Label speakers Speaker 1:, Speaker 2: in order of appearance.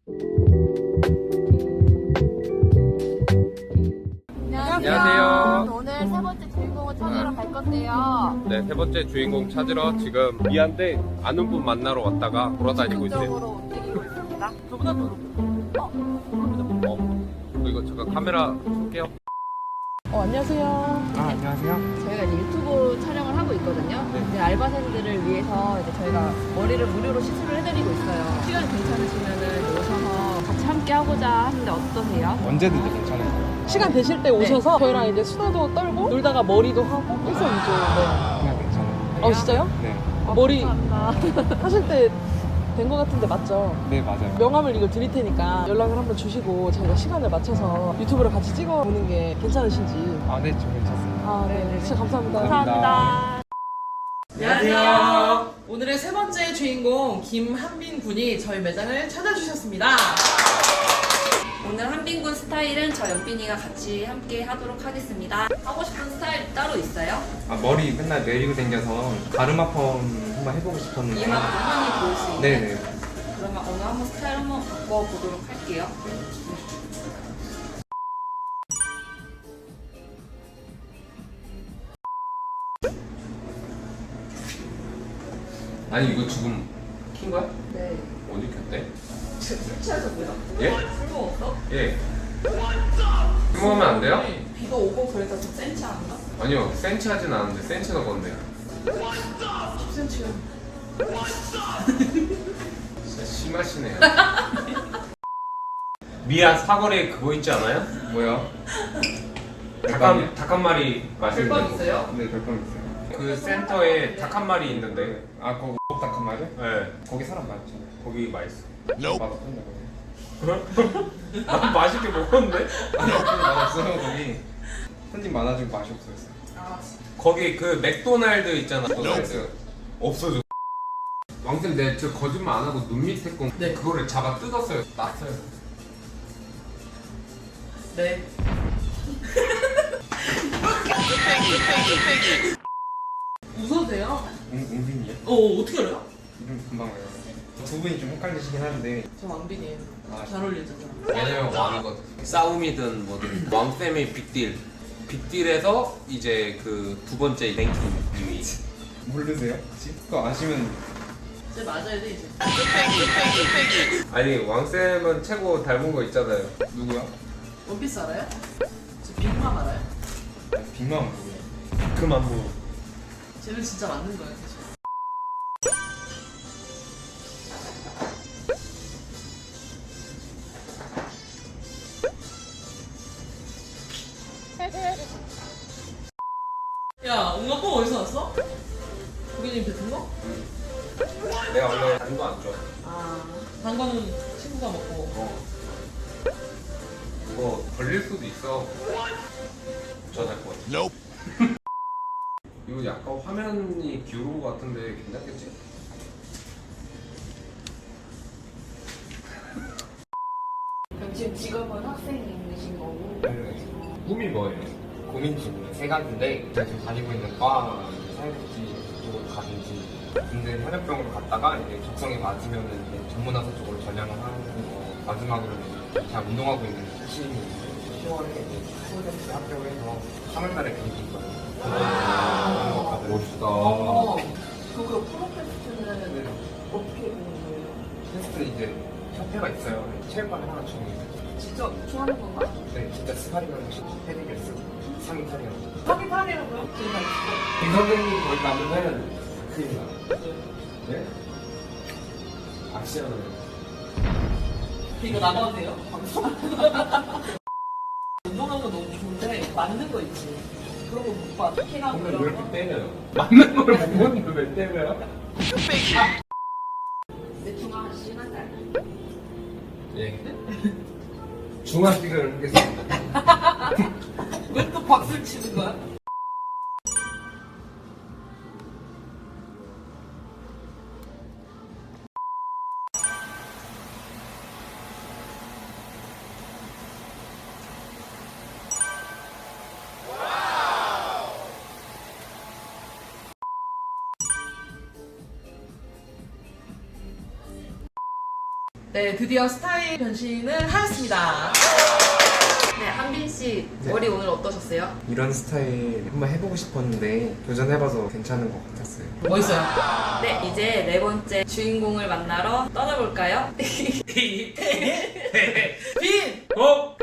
Speaker 1: 안녕하세요.
Speaker 2: 오늘 세 번째 주인공을 찾으러 갈 건데요.
Speaker 1: 네, 세 번째 주인공 찾으러 지금 미안데 아는 분 만나러 왔다가 돌아다니고 있어요.
Speaker 2: 쪽으로 움직이고 있습니다.
Speaker 3: 저보다 더 높은.
Speaker 1: 이거 잠깐 카메라 켤게요.
Speaker 3: 안녕하세요.
Speaker 4: 안녕하세요.
Speaker 2: 저희가 이제 유튜브 촬영을 하고 있거든요. 이제 알바생들을 위해서 이제 저희가 머리를 무료로 시술을 해드리고 있어요. 시간 괜찮으시면은 오셔서 같이 함께 하고자 하는데 어떠세요?
Speaker 4: 언제든지 괜찮아요.
Speaker 3: 시간 되실 때 오셔서 저희랑 이제 수다도 떨고 놀다가 머리도 하고 일석이조.
Speaker 4: 그냥 괜찮아요.
Speaker 3: 진짜요?
Speaker 4: 네.
Speaker 3: 머리
Speaker 2: 감사합니다.
Speaker 3: 하실 때 된 거 같은데 맞죠?
Speaker 4: 네, 맞아요.
Speaker 3: 명함을 이걸 드릴 테니까 연락을 한번 주시고 저희가 시간을 맞춰서 유튜브를 같이 찍어보는 게 괜찮으신지.
Speaker 4: 네, 좀 괜찮습니다.
Speaker 3: 네. 진짜 감사합니다.
Speaker 2: 감사합니다.
Speaker 3: 안녕하세요. 오늘의 세 번째 주인공 김한빈 군이 저희 매장을 찾아주셨습니다.
Speaker 5: 오늘 한빈군 스타일은 저 연빈이가 같이 함께 하도록 하겠습니다. 하고 싶은 스타일 따로 있어요?
Speaker 4: 머리 맨날 내리고 다녀서 가르마 펌 한번 해보고 싶었는데.
Speaker 5: 이만큼 흔히 보일 수 있는?
Speaker 4: 네네.
Speaker 5: 그러면 오늘 한번 스타일 한번 바꿔보도록 할게요.
Speaker 1: 아니 이거 지금 킨 거야?
Speaker 5: 네.
Speaker 1: 어디 켰대?
Speaker 5: 술 취하셨고요?
Speaker 1: 예?
Speaker 5: 술 먹었어?
Speaker 1: 예. 먹으면 안 돼요?
Speaker 5: 비도 오고 그래서 좀 센치 않나?
Speaker 1: 아니요, 센치 하진 않은데 센치가 건데요.
Speaker 3: 10cm요.
Speaker 1: 진짜 심하시네요. 미아 사거리에 그거 있지 않아요?
Speaker 4: 뭐요?
Speaker 1: 닭 한 마리 맛있는
Speaker 5: 별빵
Speaker 1: 거.
Speaker 5: 있어요?
Speaker 4: 네, 별건 있어요.
Speaker 1: 그 센터에 닭 한 마리 있는데.
Speaker 4: 거기 닭한 마리?
Speaker 1: 네.
Speaker 4: 거기 사람 많죠.
Speaker 1: 거기 맛있어.
Speaker 4: 맛없던데.
Speaker 1: 난 맛있게 먹었는데?
Speaker 4: 맛없어요, 거기. 손님 많아지고 맛이 없어졌어요.
Speaker 1: 거기 그 맥도날드 있잖아. 맥도날드. 없어져. 왕쌤 내 저 거짓말 안 하고 눈 밑에 거 그거를 잡아 뜯었어요. 놨어요.
Speaker 3: 네. 웃어도 돼요?
Speaker 4: 웅빈이요?
Speaker 3: 어떻게 알아요?
Speaker 4: 이름 금방 알아요. 두 분이 좀 헷갈리시긴 한데.
Speaker 3: 저 왕빈이에요.
Speaker 4: 아,
Speaker 3: 잘 어울리잖아.
Speaker 1: 왜냐면 왕이거든. 싸움이든 뭐든 왕쌤의 빅딜. 빅딜에서 이제 그 두 번째 랭킹 2위.
Speaker 4: 모르세요? 혹시? 그거 아시면.
Speaker 3: 이제 맞아야 돼 이제.
Speaker 1: 아니 왕쌤은 최고 닮은 거 있잖아요.
Speaker 4: 누구야?
Speaker 3: 원피스 알아요? 저 빅맘 알아요?
Speaker 4: 빅맘 누구예요?
Speaker 1: 그만 뭐.
Speaker 3: 쟤는 진짜 맞는 거예요 사실. 야, 옹아뽕 어디서 왔어? 고객님 뱉은 거?
Speaker 1: 내가 원래 단 거 안 좋아.
Speaker 3: 단 거는 친구가 먹고.
Speaker 1: 이거 걸릴 수도 있어. 저잘 것 같아. 이거 약간 화면이 기울은 것 같은데 괜찮겠지?
Speaker 5: 그럼 지금 직업은 학생이신 거고?
Speaker 1: 꿈이 뭐예요?
Speaker 4: 고민 중에 세 가지인데 제가 지금 다니고 있는 과 사회복지 쪽으로 가든지 군대 현역병으로 갔다가 이제 적성에 맞으면 이제 전문화사 쪽으로 전향을 하는 거 마지막으로 이제 제가 운동하고 있는 시즌이 10월에 이제 프로젝트 합격을 해서 3월달에 경기 있거든요.
Speaker 1: 멋있다.
Speaker 3: 그 프로페스트는 어떻게 되는 거예요?
Speaker 4: 테스트 이제 협회가 있어요. 체육관에 하나 주는
Speaker 5: 직접 하는 건가?
Speaker 4: 네, 진짜 스파링하는 패딩을 쓰고 상의 탈의하고
Speaker 3: 하긴 하네요. 제가
Speaker 4: 이 선생님 거기 가면은 큰일 나. 네? 아시잖아요.
Speaker 3: 이거 나가도 돼요? 방송? 운동하는 거 너무 좋은데 맞는 거 있지. 그런 거 못 봐. 키랑
Speaker 1: 근데 왜
Speaker 3: 그런
Speaker 1: 이렇게
Speaker 3: 거.
Speaker 1: 때려요? 맞는 걸 보는데 왜 때려요?
Speaker 5: 대충 한 시간 달.
Speaker 1: 예. 중화식을 하겠습니다.
Speaker 3: 왜 또 박수를 치는 거야? 네, 드디어 스타일 변신을 하였습니다.
Speaker 5: 네, 한빈 씨 머리 오늘 어떠셨어요?
Speaker 4: 이런 스타일 한번 해보고 싶었는데 도전해봐서 괜찮은 것 같았어요.
Speaker 3: 멋있어요.
Speaker 5: 네, 이제 네 번째 주인공을 만나러 떠나볼까요?
Speaker 3: 빈!
Speaker 1: 어?